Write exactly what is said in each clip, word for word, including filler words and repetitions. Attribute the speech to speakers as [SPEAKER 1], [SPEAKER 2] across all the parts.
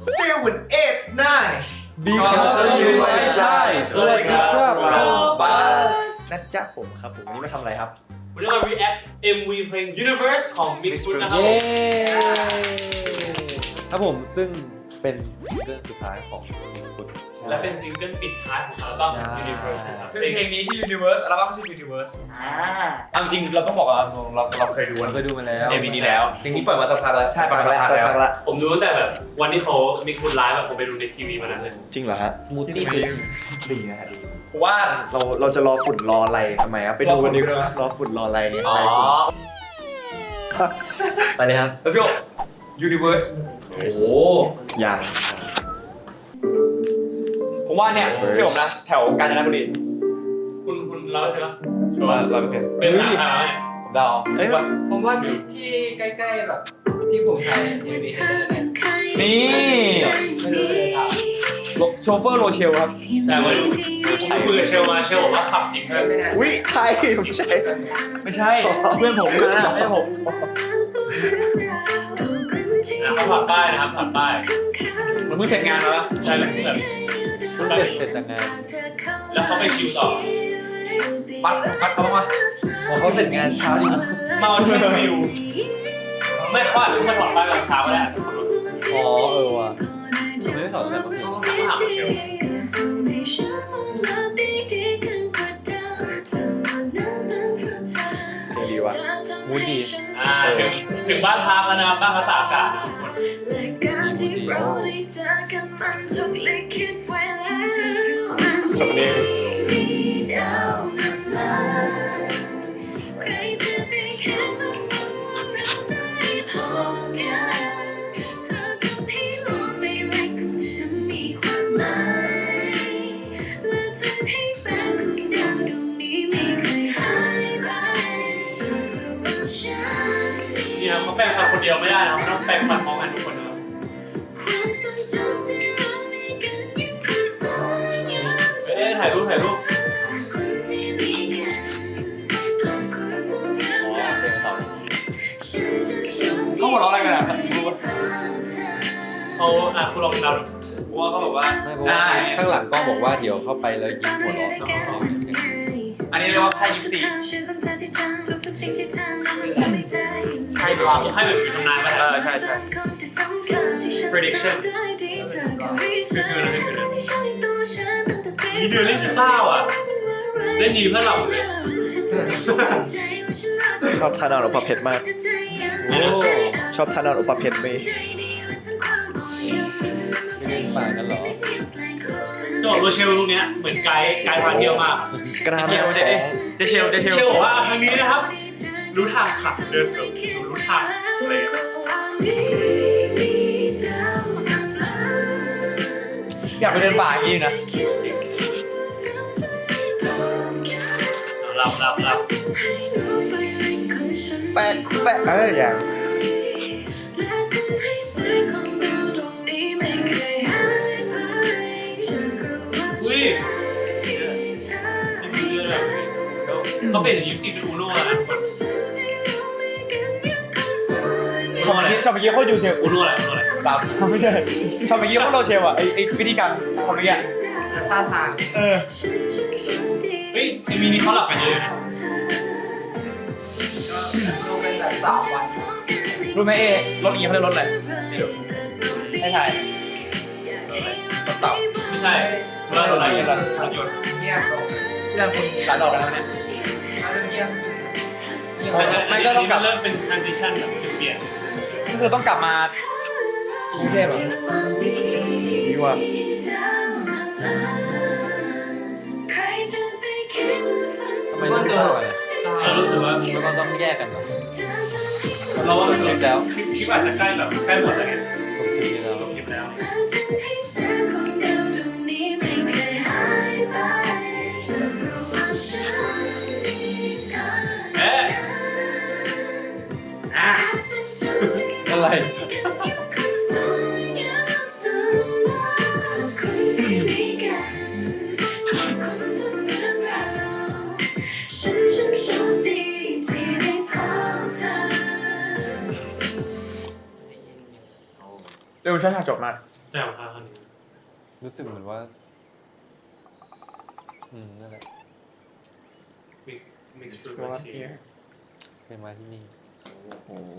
[SPEAKER 1] seven eight nine
[SPEAKER 2] because you are shy สวัสดีครับเราบัส
[SPEAKER 1] นะจ๊ะผมครับผมวันนี้มาทำอะไรครับ
[SPEAKER 3] วันนี้มา react เอ็ม วี เพลง Universe ของ Mix Fruit นะครับ
[SPEAKER 2] เย้ครับผมซึ่งเป็นเรื่องสุดท้ายของฟุต
[SPEAKER 3] และเป็นซิงเกิลปิดท้ายของอัลบั้ม Universe นะครับ
[SPEAKER 4] ซึ่งเพลงนี้ชื่อ Universe อัลบั้มชื่อ Universe เอาจริงเราต้องบอกว่าเราเราเคยดู
[SPEAKER 2] เราเคยดูมาแล้ว
[SPEAKER 4] เอ็มวีนี้แล้ว
[SPEAKER 2] เพลงนี้ปล่อยมาสักพักแล้ว
[SPEAKER 4] ใช่ปล่อยมา
[SPEAKER 1] แล้ว
[SPEAKER 4] สั
[SPEAKER 1] สั
[SPEAKER 4] ก
[SPEAKER 1] ก
[SPEAKER 4] พั
[SPEAKER 1] พั
[SPEAKER 4] ก
[SPEAKER 1] ก
[SPEAKER 4] แล้ว
[SPEAKER 1] ละ
[SPEAKER 3] ผมดูตั้งแต่แบบวันที่เขา Mix Fruit ไลฟ์แบบผมไปดูในทีวีมานั้นเลย
[SPEAKER 1] จริงเหรอฮะ
[SPEAKER 2] มูตี้
[SPEAKER 1] ดีนะฮะดี
[SPEAKER 4] ผมว่า
[SPEAKER 1] เราเราจะรอฝุ่นรออะไรทำไมครับไปดูกันดีก
[SPEAKER 4] รอฝุ่นด้วย
[SPEAKER 1] ว่ารอฝุ่นรออะไร
[SPEAKER 4] อ๋อ
[SPEAKER 2] ไปเลยครับ
[SPEAKER 4] let's go Universe โอ้โห
[SPEAKER 1] อย่าง
[SPEAKER 4] ผมว่าเนี่ยเชื่อผมนะแถวกาญจนบุรี
[SPEAKER 3] คุณคุณร้อยเปอร์เซ็นต์ป่ะ
[SPEAKER 4] ชัวร์ร้อยเปอร์เซ็นต์
[SPEAKER 3] เป็นหนังใครมาเนี่ย
[SPEAKER 4] ผมเดา
[SPEAKER 1] เอ้ย
[SPEAKER 4] ว่า
[SPEAKER 5] ผมว่าที่ที่ใกล้ๆแบบที่ผมถ่ายเอ็มวี
[SPEAKER 4] นี่
[SPEAKER 5] ไม่รู้เลยครับ
[SPEAKER 4] โชเฟอร์โรเชลครับ
[SPEAKER 3] ใช่วันผมคุยกับเชลมาเชลบอกว่าขับจริงเลย
[SPEAKER 5] ไม่น่า
[SPEAKER 1] วิไทยไม่ใช่
[SPEAKER 4] ไม่ใช่เพื่อนผมนะไม่ใช่ผม
[SPEAKER 3] นะเขาผ่านป้ายนะครับผ่านป้าย
[SPEAKER 4] มันเพิ่งเสร็จงานมาแล้ว
[SPEAKER 3] ใช่แบบแบบ
[SPEAKER 2] เพิ่งเสร็จเสร็จจากงาน
[SPEAKER 3] แล้วเขาไปคิวต่อ
[SPEAKER 4] ปัดปัดเขามา
[SPEAKER 2] พอเขาเสร็จงานเช้าดี
[SPEAKER 3] มาเอาช่วยวิวไม่เขาอาจจะมาถอดป้ายตอนเช้าก็ได้
[SPEAKER 2] อ๋อเออว่ะผมไม่ได้ถอดเลยเมื่อคืน
[SPEAKER 3] ต้องถามเชล
[SPEAKER 1] เพลงดีวะ
[SPEAKER 2] มูดดี
[SPEAKER 3] อ่าถึงถึงบ้านพักแล้วนะครับบ้านพักตากอากาศนะครับทุกคน
[SPEAKER 1] สำเนียง
[SPEAKER 3] นี่นะเขาแปลงฟันคนเดียวไม่ได้นะต้องแปลงฟันพร้อมกันทุกคนนะครับเอ๊ะถ่ายรูปถ่ายรูป
[SPEAKER 4] เขาหัวเราะอะไรกันอ่ะรู้ปะ
[SPEAKER 3] เขาอ่ะคุณลองเดาดู
[SPEAKER 4] ผมว่าเขาบอกว่า
[SPEAKER 2] ไม่เพราะว่าข้างหลังก็บอกว่าเดี๋ยวเข้าไปแล้วยิ้มหัวเราะ
[SPEAKER 4] อันนี้เรียกว่าไพ่ยิปซี
[SPEAKER 3] ให้แบบให้แบบจิตทำนายไป
[SPEAKER 4] เออใช่ใช่ prediction
[SPEAKER 3] มีเดือนเล่นกีตาร์อ่ะเล่นดีเพื่อเราเลย
[SPEAKER 1] ชอบทานอนอุปเพชรมาก
[SPEAKER 2] โอ้
[SPEAKER 1] ชอบทานอนอุปเพชรไหม
[SPEAKER 2] ไม่เล่นป่ากันเหรอ
[SPEAKER 3] จังหวัดโรเชลตรงเนี้ยเหมือนไกด์ไกด์พาเที่ยวมาก
[SPEAKER 1] กล้าม
[SPEAKER 4] เด
[SPEAKER 1] แม่
[SPEAKER 4] เด
[SPEAKER 1] ท้อง
[SPEAKER 4] เดเชลเดเชล
[SPEAKER 3] เชื่อบอกว่าครั้งนี้นะครับ รู้ทางขับเดินเกือบรู้ทางเลย
[SPEAKER 4] อยากไปเดินป่าอย่างนี้นะ
[SPEAKER 3] หลับหลับหลับ
[SPEAKER 1] แปะแปะเอ้ยอย่าง
[SPEAKER 3] อุ้ยนี่คือแบบเขาเป็นอย่างยิปซีเป็นอูโน่นะ
[SPEAKER 4] ชอบเมื่อกี้ชอบเมื่อกี้โคตรยูเชล
[SPEAKER 3] อูโน่อะไรอูโน่อะไร
[SPEAKER 4] ตามไม่ใช่ชอบเมื่อกี้โคตรโรเชลอ่ะไอไอวิธีการทำเมื่อกี้
[SPEAKER 5] ท่าทาง
[SPEAKER 4] เออ
[SPEAKER 3] เฮ้ยไอมีนี่เขาหลับกันเยอะนะ
[SPEAKER 5] ลงเป็นแบบสามวัน
[SPEAKER 4] รู้ไหมเอรถนี้เขาเรียกรถอะไรไม่ใช่รถเต่า
[SPEAKER 3] ไม่ใช่เวลาเราไหนกันรถยนต์
[SPEAKER 5] เงียบลง
[SPEAKER 4] ที่นั่นคุณหลายดอกแล้วเนี่ย
[SPEAKER 5] มาเงียบเงียบ
[SPEAKER 3] ไม่ก็ต้องกลับเริ่มเป็น transition แบบเปลี่ยน
[SPEAKER 4] ก็คือต้องกลับมากรุงเทพเหรอ
[SPEAKER 1] ดีว่ะ
[SPEAKER 2] ทำไมต้องเท่าไหร่
[SPEAKER 3] เรารู้สึกว่า
[SPEAKER 2] แล้วก็ต้องแยกกันเหรอ
[SPEAKER 3] เราว่า
[SPEAKER 2] คลิปแล้ว
[SPEAKER 3] คลิปคลิปอาจจะใกล้แบบใกล้หมดแล้วไง
[SPEAKER 2] ผมคลิปนี้แล้ว
[SPEAKER 3] จบคลิปแล้วเอ๊ะอ่ะ
[SPEAKER 2] อะไร
[SPEAKER 4] เร็วช้าๆจบมาก
[SPEAKER 3] แจ่มค่ะคนนี้
[SPEAKER 2] รู้สึกเหมือนว่า อืมนั่นแหละ
[SPEAKER 3] มิกมิกซ์
[SPEAKER 1] เพราะว่าที่
[SPEAKER 2] เคยมาที่นี่
[SPEAKER 1] โอ้โห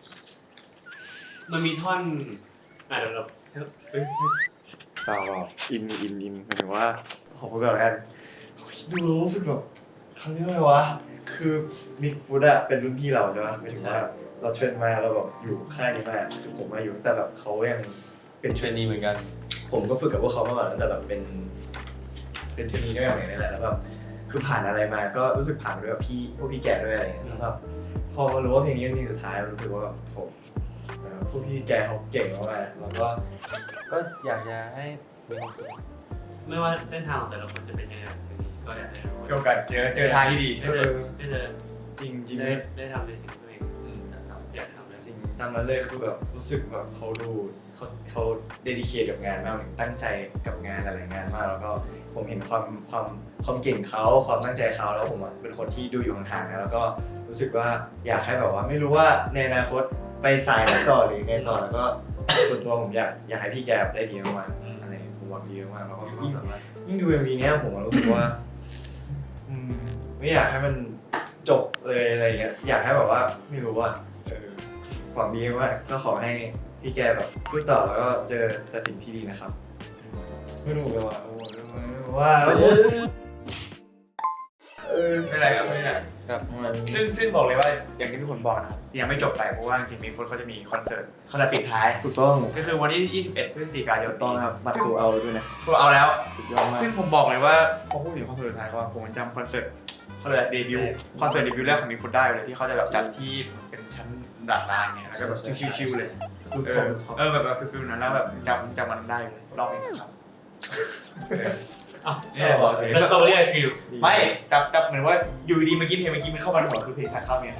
[SPEAKER 3] มันมีท่อนอ่ะเดี๋ยวเราเฮ้ย
[SPEAKER 1] เปล่าหรอกอินอินอินหมายถึงว่าผมก็แบบดูรู้สึกแบบเขาเรียกว่าไงวะคือมิกฟูดอะเป็นรุ่นพี่เราใช่ไหมหมายถึงว่าเราเทรนมาเราแบบอยู่ค่ายนี้มาคือผมมาอยู่ตั้งแต่แบบเขายังเป็น
[SPEAKER 2] เทรนนีเหมือนกัน
[SPEAKER 1] ผมก็ฝึกกับพวกเขามาก่อนตั้งแต่แบบเป็นเป็นเทรนนีด้วยอย่างนี้แหละแล้วแบบคือผ่านอะไรมาก็รู้สึกผ่านด้วยแบบพี่พวกพี่แก่ด้วยอะไรอย่างเงี้ยแล้วแบบพอมารู้ว่าเพลงนี้เป็นเพลงสุดท้ายรู้สึกว่าแบบผมเอ่อพวกพี่แก่เขาเก่งมากๆแล้วก็
[SPEAKER 2] ก็อยากจะให้มีความสุข
[SPEAKER 3] ไม่ว่าเส้นทางของแต่ละคนจะเป็นยังไงทีนี้ก็อยากให้รู้
[SPEAKER 4] เกี่ยวกับเจอเจอทางที่ดี
[SPEAKER 3] ได้เจอได้เจอ
[SPEAKER 1] จริงจริง
[SPEAKER 3] ได้ได้ทำในสิ่งที่ตัวเองอยากทำเลย
[SPEAKER 1] จริงตามนั้นเลยคือแบบรู้สึกแบบเขาดูเขาเขาเดดิเคทกับงานมากตั้งใจกับงานหลายๆงานมากแล้วก็ผมเห็นความความความเก่งเขาความตั้งใจเขาแล้วผมอะเป็นคนที่ดูอยู่ห่างๆนะแล้วก็รู้สึกว่าอยากให้แบบว่าไม่รู้ว่าในอนาคตไปสายไหนต่อหรือไงต่อแล้วก็ส่วนตัวผมอยากอยากให้พี่แกได้ดีมากๆอะไรผมหวังดีมากๆแล้วก็ยิ่งยิ่งดู เอ็ม วี เนี้ยผมรู้สึกว่าอืมไม่อยากให้มันจบเลยอะไรเงี้ยอยากให้แบบว่าไม่รู้ว่าเออหวังดีมากก็ขอให้พี่แกแบบสู้ต่อแล้วก็เจอแต่สิ่งที่ดีนะครับไม่รู้เลยว่าว่าเออ
[SPEAKER 4] ไม่เป็นไรครับไม่เป็นไร
[SPEAKER 2] ครับ
[SPEAKER 1] มัน
[SPEAKER 4] ซึ่งซึ่งบอกเลยว่าอย่างที่ทุกคนบอกนะครับยังไม่จบไปเพราะว่าจริงๆมีฟุตเขาจะมีคอนเสิร์ตเขาจะปิดท้าย
[SPEAKER 1] ถูกต้อง
[SPEAKER 4] ก็คือวันที่ยี่สิบเอ็ดพฤศจิกายน
[SPEAKER 1] ถูกต้องครับบัตรโซเอาด้วยนะ
[SPEAKER 4] โซเอาแล้ว
[SPEAKER 1] สุดยอดมาก
[SPEAKER 4] ซึ่งผมบอกเลยว่าพอพูดถึงคอนเสิร์ตสุดท้ายก็ผมจำคอนเสิร์ตเขาเลยเดบิวต์คอนเสิร์ตเดบิวต์แรกของมีฟุตได้เลยที่เขาจะแบบจัดที่เป็นชั้นดาดฟ้าเนี่ยแล้วก็แบบชิวๆเลย
[SPEAKER 1] คือ
[SPEAKER 4] เอ
[SPEAKER 1] ผม
[SPEAKER 4] อเออแบบแบบฟิลๆนั้นแล้วแบบจำจำมันได้เลยรอบนี้ครับ
[SPEAKER 3] อ่ะ
[SPEAKER 4] เนี่ยบอกเฉย
[SPEAKER 3] แล้วสตรอเบอรี่ไอศครีม
[SPEAKER 4] ไม่จับจับเหมือนว่าอยู่ดีเมื่อกี้เพลงเมื่อกี้มันเข้ามาในหัวคือเพลงทางเข้าเนี่ย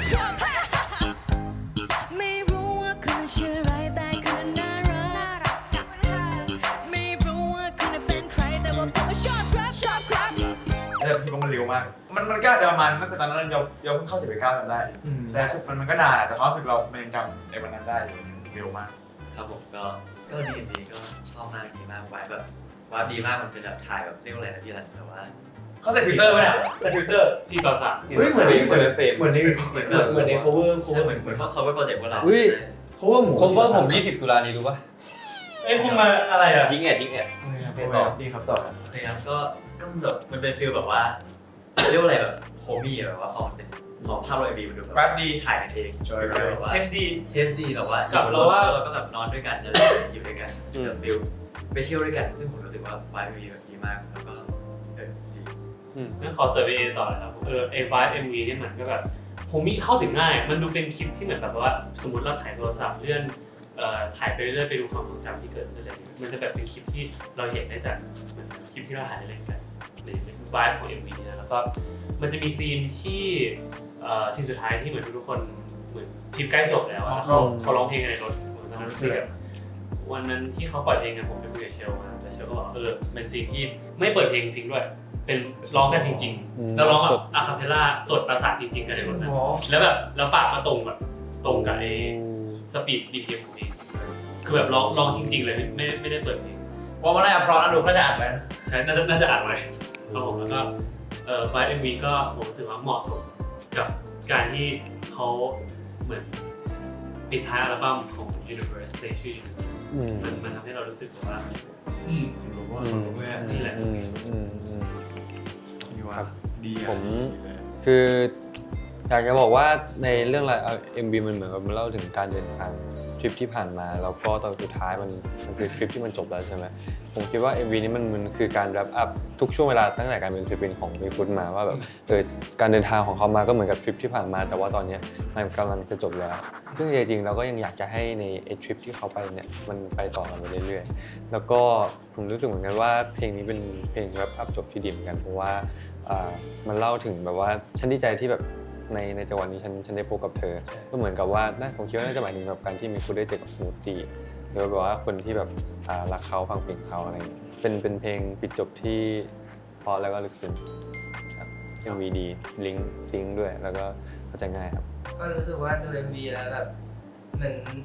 [SPEAKER 6] ไม่รู้ว่าคุณชื่ออะไรแต่คุณน่ารักไม่รู้ว่าคุณเป็นใครแต่ว่าผมชอบครับชอบครับ
[SPEAKER 4] แต่รู้สึกว่ามันเร็วมาก มันมันก็อาจจะประมาณตั้งแต่ตอนนั้นเราเราเพิ่งเข้าสิบเอ็ดเก้าจำได้ แต่รู้สึกมันมันก็นานอะแต่ความรู้สึกเรามันยังจำในวันนั้นได้อยู่เร็วมาก
[SPEAKER 7] ครับผมก็ก็ดีดีก็ชอบมากดีมากไว้แบบว่าดีมากมันเป็นแบบถ่ายแบบเรียกว่าอะไรนะพี่ทันแบบว่า
[SPEAKER 4] เขาใส่ฟิลเตอร์ไหมเนี่ยใส่ฟิลเตอร์
[SPEAKER 3] สี่ต่อสาม
[SPEAKER 1] เฮ้ยเหมือนในเหมือน
[SPEAKER 2] เฟรม
[SPEAKER 1] เหมือนในเหมือนเหมือนใน cover
[SPEAKER 7] ใช่เหมือนเหมือนเขา cover project พวกเรา
[SPEAKER 2] อุ้ย
[SPEAKER 1] cover หมู
[SPEAKER 2] คมว่าผมยี่สิบตุลานี้รู้ป่ะ
[SPEAKER 3] เอ้ยคุณมาอะไรอ่ะ
[SPEAKER 2] ยิงแอดยิงแอด
[SPEAKER 1] ไปต่อดีครับต่อครับ
[SPEAKER 7] โอเคครับก็ก็แบบมันเป็นฟีลแบบว่าเรียกว่าอะไรแบบโฮมี่แบบว่าพอมันเป็นพอภาพเราเอ็มบีมันดูแบบ
[SPEAKER 4] แป๊บดี
[SPEAKER 7] ถ่ายกันเอง
[SPEAKER 1] จอย
[SPEAKER 7] ฟีลแบบว่า
[SPEAKER 4] เอสดี
[SPEAKER 7] เทสดีแบบว่า
[SPEAKER 3] กับเราว่า
[SPEAKER 7] เราก็แบบนอนด้วยกันอะไรอยู่ด้วยกันแบบฟีลไปเที่ยวด้วยกัน ซึ่งผมรู้สึกว่าไวท์มีแบบดีมากแล้วก็เออดี
[SPEAKER 3] งั้นขอเซอร์เวย์ต่อเลยครับเออไอ้ไวท์เอ็มวีเนี่ยมันก็แบบผมมีเข้าถึงง่าย มันดูเป็นคลิปที่เหมือนแบบว่าสมมติเราถ่ายโทรศัพท์เลื่อนเอ่อถ่ายไปเรื่อยๆไปดูความทรงจำที่เกิดขึ้นอะไรอย่างเงี้ยมันจะแบบเป็นคลิปที่เราเห็นได้จากเหมือนคลิปที่เราถ่ายเล่นกันในไวท์ของ เอ็ม วี นะแล้วก็มันจะมีซีนที่เอ่อซีนสุดท้ายที่เหมือนทุกคนเหมือนทริปใกล้จบแล้วอะเขาเขาร้องเพลงกันในรถตอนนั้นคือแบบวันนั้นที่เขาปล่อยเพลงกันผมไปคุยกับเชลมาแต่เชลก็บอกเออเป็นซีนที่ไม่เปิดเพลงซิงค์ด้วยเป็นร้องกันจริงๆแล้วร้องแบบอะคาเพลล่าสดประสานจริงๆกันในรถนั้นแล้วแบบแล้วปากก็ตรงแบบตรงกับไอ้สปีด บี พี เอ็ม ของเพลงคือแบบร้องร้องจริงๆเลยไม่ไม่ได้เปิดเพลง
[SPEAKER 4] ว่ามันน่าจะเพราะนะดูน่าจะอ่านไปนะ
[SPEAKER 3] ใช่น่าจะน่าจะอ่านไว้ครับผมแล้วก็เอ่อไฟล์ เอ็ม วี ก็ผมรู้สึกว่าเหมาะสมกับการที่เขาเหมือนปิดท้ายอัลบั้มของ Universe เพลงชื่อ
[SPEAKER 2] อืม
[SPEAKER 3] มันมันทำให้เรารู้สึกว่าอืม
[SPEAKER 1] ผมว่าผมว่า
[SPEAKER 3] นี่แหละ
[SPEAKER 2] อืมอืมอืม
[SPEAKER 1] ดีว่ะดี
[SPEAKER 2] ผม คืออยากจะบอกว่าในเรื่องราว เอ็ม วี มันเหมือนกับมันเล่าถึงการเดินทางทริปที่ผ่านมาแล้วก็ตอนสุดท้ายมันมันคือทริปที่มันจบแล้วใช่ไหมผมคิดว่า เอ็ม วี นี้มันมันคือการ wrap up ทุกช่วงเวลาตั้งแต่การเป็นศิลปินของมีฟุตมาว่าแบบเออการเดินทางของเขามาก็เหมือนกับทริปที่ผ่านมาแต่ว่าตอนนี้มันกำลังจะจบแล้วซึ่งจริงๆเราก็ยังอยากจะให้ในไอ้ทริปที่เขาไปเนี่ยมันไปต่อกันไปเรื่อยๆแล้วก็ผมรู้สึกเหมือนกันว่าเพลงนี้เป็นเพลง wrap up จบที่ดีเหมือนกันเพราะว่าอ่ามันเล่าถึงแบบว่าฉันดีใจที่แบบในในจังหวะนี้ฉันฉันได้พบกับเธอก็เหมือนกับว่าน่าผมคิดว่าน่าจะหมายถึงแบบการที่มีคุณได้เจอกับสมูทตี้หรือแบบว่าคนที่แบบอ่ารักเขาฟังเพลงเขาอะไรอย่างเงี้ยเป็นเป็นเพลงปิดจบที่เพราะแล้วก็ลึกซึ้งครับ เอ็ม วี ดีลิงก์ซิงค์ด้วยแล้วก็เข้าใจง่ายครับ
[SPEAKER 5] ก็รู้สึกว่าดู เอ็ม วี แล้วแบบเหมือน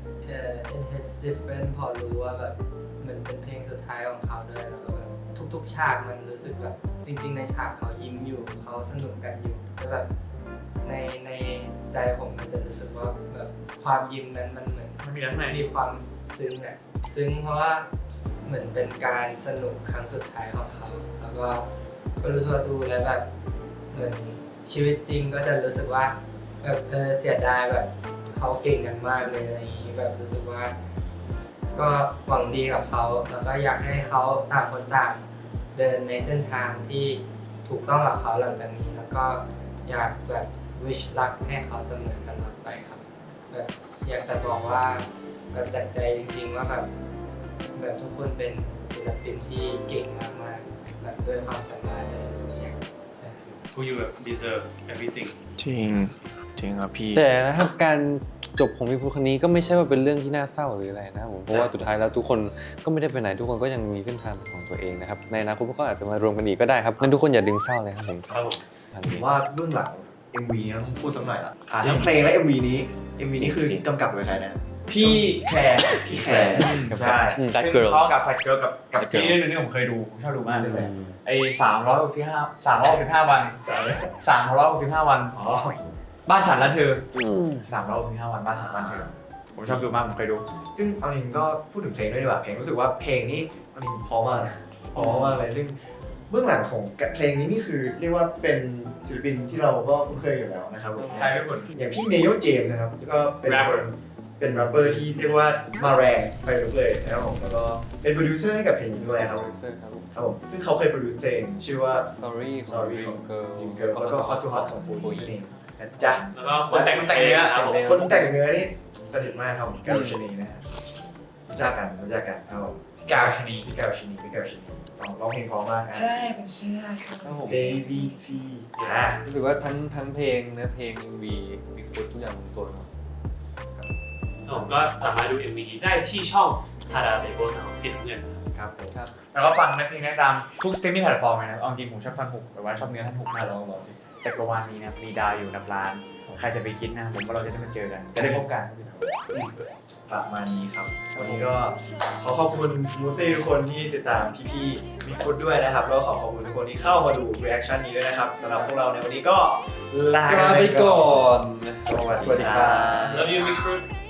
[SPEAKER 5] เอ่อ it hits different พอรู้ว่าแบบมันเป็นเพลงสุดท้ายของเขาด้วยแล้วก็แบบทุกๆฉากมันรู้สึกแบบจริงๆในฉากเขายิ้มอยู่เขาสนุกกันอยู่แต่แบบในในใจผมมันจะรู้สึกว่าแบบความยิ้มนั้นมันเหมือน
[SPEAKER 3] มันมีอะไรข้างใน
[SPEAKER 5] มีความซึ้งอะซึ้งเพราะว่าเหมือนเป็นการสนุกครั้งสุดท้ายของเขาแล้วก็ก็รู้สึกว่าดูแล้วแบบเหมือนชีวิตจริงก็จะรู้สึกว่าแบบเออเสียดายแบบเขาเก่งกันมากเลยอะไรอย่างนี้แบบรู้สึกว่า ก็หวังดีกับเขาแล้วก็อยากให้เขาต่างคนต่างเดินในเส้นทางที่ถูกต้องกับเขาหลังจากนี้ แล้วก็อยากแบบ wish luck ให้เขาเสมอตลอดไปครับแบบอยากจะบอกว่าแบบจากใจจริงๆว่าแบบแบบทุกคนเป็นศิลปินที่เก่งมากๆแบบด้วยความสามารถในทุกอย่างใช่ครับ
[SPEAKER 3] who you deserve everything
[SPEAKER 1] จริงจริงครับพี่
[SPEAKER 2] แต่นะครับการจบของพี่ฟุตคนนี้ก็ไม่ใช่ว่าเป็นเรื่องที่น่าเศร้าหรืออะไรนะครับผมเพราะว่าสุดท้ายแล้วทุกคนก็ไม่ได้ไปไหนทุกคนก็ยังมีเส้นทางของตัวเองนะครับในอนาคตพวกเขาอาจจะมารวมกันอีกก็ได้ครับงั้นทุกคนอย่าดึงเศร้าเลยครับผม
[SPEAKER 3] ครับผม
[SPEAKER 2] อัน
[SPEAKER 1] ผม
[SPEAKER 2] นี้
[SPEAKER 1] ว่าเบื้องหลัง เอ็ม วี นี้ต้องพูดสักหน่อยละอ่าทั้งเพลงและ เอ็ม วี นี้ เอ็ม วี นี้คือกำกับโดยใครนะ
[SPEAKER 4] พี่แคร์
[SPEAKER 1] พี่แคร์
[SPEAKER 4] ใช่
[SPEAKER 2] อืม
[SPEAKER 4] ซึ่ง
[SPEAKER 2] That Girls
[SPEAKER 4] เขากับแฟดเกิร์ลกับกับ
[SPEAKER 2] That
[SPEAKER 4] ซี
[SPEAKER 2] Girls
[SPEAKER 4] รีส์เรื่องนึงผมเคยดูผมชอบดูมากเลย
[SPEAKER 2] อืม
[SPEAKER 4] ไอ้สามร้อยหกสิบห้าสามร้อยหกสิบห้าวัน
[SPEAKER 1] สาม
[SPEAKER 4] สามร้อยหกสิบห้าวัน
[SPEAKER 1] อ๋อ
[SPEAKER 4] บ้านฉันและเธอ
[SPEAKER 2] อืม
[SPEAKER 4] สามร้อยหกสิบห้าวันบ้านฉันบ้านเธอผมชอบดูมากผมเคยดู
[SPEAKER 1] ซึ่งเอาจริงก็พูดถึงเพลงด้วยดีกว่าเพลงรู้สึกว่าเพลงนี้เอาจริงเพราะมากนะเพราะมากเลยซึ่งเบื้องหลังของเพลงนี้นี่คือเรียกว่าเป็นศิลปินที่เราก็คุ้นเคยอยู่แล้วนะครับผม
[SPEAKER 4] ใช่ทุกคน
[SPEAKER 1] อย่างพี่เนโยเจมส์นะครับก็เป็น
[SPEAKER 3] Rapper
[SPEAKER 1] เป็นแรปเปอร์ที่เรียกว่ามาแรงไปลุกเลยนะครับผมแล้วก็เป็นโปรดิวเซอร์ให้กับเพลงนี้ด้วยครับผม
[SPEAKER 2] ครับผม
[SPEAKER 1] ครับผมซึ่งเขาเคยโปรดิวซ์เพลงชื่อว่า
[SPEAKER 2] Sorry
[SPEAKER 1] Sorry ของ
[SPEAKER 2] Girl
[SPEAKER 1] Dream Girl แล้วก็ Hot to Hot ของ Full นั่นเองนะจ๊ะ
[SPEAKER 3] แล้วก็คนแต่งเพลงนะครับผม
[SPEAKER 1] คนแต่งเนื้อนี่สนิทมากครับผมการุชนีนะฮะรู้จักกันรู้จักกันครับผม
[SPEAKER 4] พี่กาวชนี
[SPEAKER 1] พี่การุชนีพี่การุชนีร้องร้องเพลงเพราะมากนะ
[SPEAKER 4] ใช่เป็นเชื่อครับ
[SPEAKER 2] ครับผม
[SPEAKER 1] Baby T อ่า
[SPEAKER 2] รู้สึกว่าทั้งทั้งเพลงเนื้อเพลง เอ็ม วี มีฟุตทุกอย่างลงตัวเนอะ
[SPEAKER 3] ผมก็สามารถดู เอ็ม วี ได้ที่ช่องชาดาเบโกสามสีน้ำเงินนะครับ
[SPEAKER 1] ผม
[SPEAKER 2] ครับ
[SPEAKER 4] แล้วก็ฟังในเพลงได้ตามทุกสตรีมมิ่งแพลตฟอร์มเลยนะเอาจริงผมชอบท่อนฮุกแต่ว่าชอบเนื้อท่อนฮุก
[SPEAKER 1] มาลองลองสิ
[SPEAKER 4] จักรวาลนี้นะมีดาวอยู่นับล้านใครจะไปคิดนะผมว่าเราจะได้มาเจอกันจะได้พบกัน
[SPEAKER 1] ประมาณนี้ครับวันนี้ก็ขอขอบคุณสมูทตี้ทุกคนที่ติดตามพี่ๆมีฟุตด้วยนะครับแล้วก็ขอขอบคุณทุกคนที่เข้ามาดูรีแอคชั่นนี้ด้วยนะครับสำหรับพวกเราในวันนี้ก็ลา
[SPEAKER 2] ลาไปก่อน
[SPEAKER 1] สวัสดีครับ
[SPEAKER 3] Love you Mixed Fruit